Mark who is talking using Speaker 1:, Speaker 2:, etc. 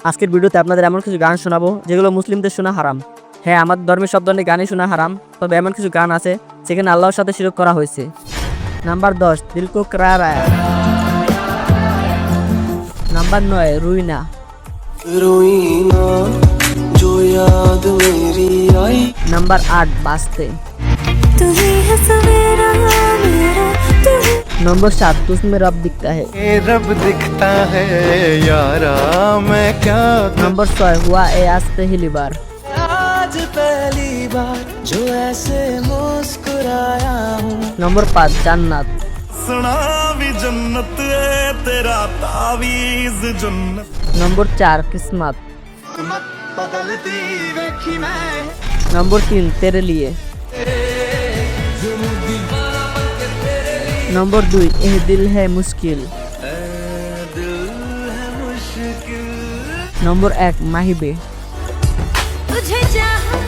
Speaker 1: আজকের ভিডিওতে আপনাদের এমন কিছু গান শোনাবো যেগুলো মুসলিমদের শোনা হারাম। হ্যাঁ, আমার ধর্মের সব ধরনের গানই শোনা হারাম, তবে এমন কিছু গান আছে যেখানে আল্লাহর সাথে শিরক করা হয়েছে। নাম্বার 10, দিল কো करार आया। নাম্বার 9, রুইনা।
Speaker 2: रोईना जो याद मेरी आई।
Speaker 1: নাম্বার 8, বাস্তে।
Speaker 3: तू ही है सवेरा मेरा, तू ही
Speaker 1: নম্বর 7, तुझमें रब दिखता है।
Speaker 2: ये रब दिखता है यारा, मैं क्या
Speaker 1: নম্বর 6, हुआ ए आज पहली बार।
Speaker 2: आज पहली बार जो ऐसे मुस्कुराया हूँ।
Speaker 1: নম্বর 5, জান্নাত।
Speaker 4: सुना भी जन्नत है तेरा तावीज जन्नत
Speaker 1: নম্বর 4, किस्मत।
Speaker 4: बदलती देखी मैं
Speaker 1: নম্বর 3, तेरे लिए। নম্বর 2, এহ দিল है मुश्किल। নম্বর 1, মাহিবে।
Speaker 3: तुझे चाहा